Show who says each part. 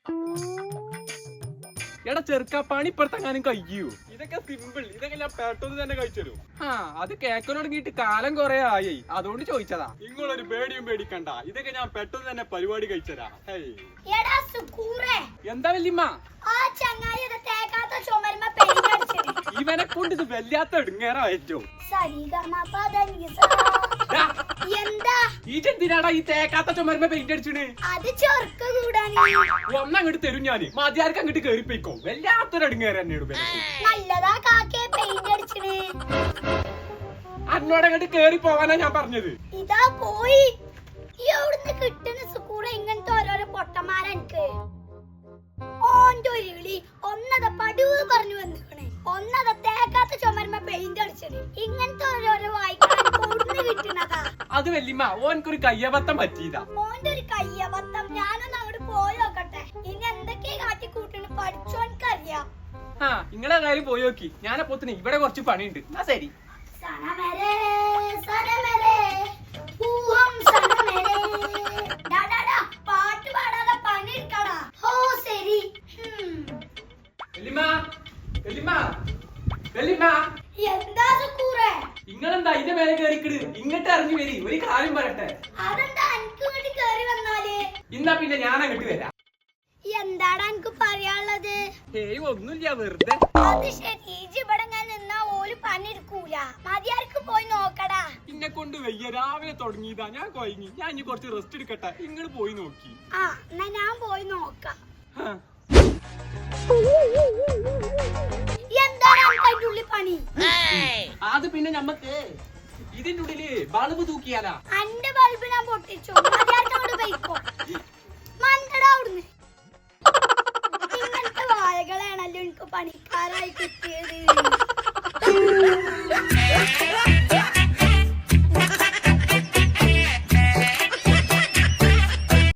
Speaker 1: എടാ ചെറുക്ക പണി ഇപ്പുറത്തെങ്ങാനും കഴിയൂ. ഇതൊക്കെ സിമ്പിൾ, ഇതൊക്കെ ഞാൻ പെട്ടെന്ന് തന്നെ കഴിച്ചു. ആ അത് കേക്കനോടങ്ങിട്ട് കാലം കൊറേ ആയി, അതുകൊണ്ട് ചോദിച്ചതാ. നിങ്ങളൊരു പേടിയും പേടിക്കണ്ട, ഇതൊക്കെ ഞാൻ പെട്ടെന്ന് തന്നെ പരിപാടി കഴിച്ചതാ. എന്താ വല്യമ്മ? ഇവനെ കൊണ്ട് ഇത് വല്ലാത്ത എടുങ്ങേറായിട്ടോ. ഈജെന്തിനാടാ ഈ തേക്കാത്ത ചുമരുമ്പോ പെയിന്റ് അടിച്ചിന്? ഒന്നങ്ങോട്ട് തരും ഞാന്, മതിയാർക്ക് അങ്ങോട്ട് കേറിപ്പോയിക്കോ. വല്ലാത്തൊരു എടുങ്ങേറ് തന്നെയാണ്. അന്നോട് അങ്ങോട്ട് കേറി പോവാനാ ഞാൻ പറഞ്ഞത്.
Speaker 2: ഇതാ പോയി കിട്ടുന്ന സുക്കൂടെ ഇങ്ങനത്തെ ഓരോരോ പൊട്ടന്മാരെനിക്ക് ഓന്റെ ഒരു വിളി ഒന്നത പടുവ് പറഞ്ഞു വന്നിക്കണേ, ഒന്നത തേക്കാത്ത ചുമരുമ്പോ പെയിന്റ് അടിച്ചത്. ഇങ്ങനത്തെ ഓരോരോ വായിക്കാൻ കിട്ടുന്നതാ.
Speaker 1: അത് വല്യമ്മ ഓനക്കൊരു കയ്യബദ്ധം പറ്റിയതാ.
Speaker 2: ഓന്റെ ഒരു കയ്യബദ്ധം. ഞാനൊന്ന് അങ്ങോട്ട് പോയി നോക്കട്ടെ, ഇനി എന്തൊക്കെയാ കാട്ടി കൂട്ടിന് പഠിച്ചോൻക്കറിയാം.
Speaker 1: ആ നിങ്ങളെ കാര്യം പോയി നോക്കി, ഞാനപ്പോത്തിന് ഇവിടെ കുറച്ച് പണിയുണ്ട്. എന്നാ ശരി.
Speaker 2: പാട്ട് പാടാതെ പണി എടുക്കടാ. ഓ ശരി. എന്താ സുക്കൂറേ?
Speaker 1: നിങ്ങളെന്താ ഇതിന്റെ മേലെ കേറിക്കിട്? ഇങ്ങോട്ട് ഇറങ്ങി വരി, ഒരു കാര്യം പറയട്ടെ.
Speaker 2: അതെന്താ എനിക്ക് ഇങ്ങോട്ട് കേറി വന്നാല്?
Speaker 1: ഇന്നാ പിന്നെ ഞാൻ അങ്ങോട്ട് വരാം.
Speaker 2: എന്താടാ എനിക്ക് പറയാനുള്ളത്?
Speaker 1: ഏയ് ഒന്നുമില്ല, വെറുതെ.
Speaker 2: അത് ശരി, ഇവിടെ നിന്നാ ഓല് പണി എടുക്കൂല. മതിയാർക്ക് പോയി നോക്കടാ.
Speaker 1: എന്നെ കൊണ്ട് വയ്യ, രാവിലെ തുടങ്ങിയതാ, ഞാൻ കൊയങ്ങി. ഞാൻ ഇനി കുറച്ച് റെസ്റ്റ് എടുക്കട്ടെ, നിങ്ങൾ പോയി നോക്കി.
Speaker 2: ആ എന്നാ ഞാൻ പോയി നോക്കാം. പണി
Speaker 1: അത് പിന്നെ നമ്മക്ക് ഇതിന്റെ ഉള്ളില് ബൾബ് തൂക്കിയാലാ.
Speaker 2: അന്റെ ബൾബ് ഞാൻ പൊട്ടിച്ചു. ഇങ്ങനത്തെ വാഴകളാണല്ലോ എനിക്ക് പണിക്കാരായി കിട്ടിയത്.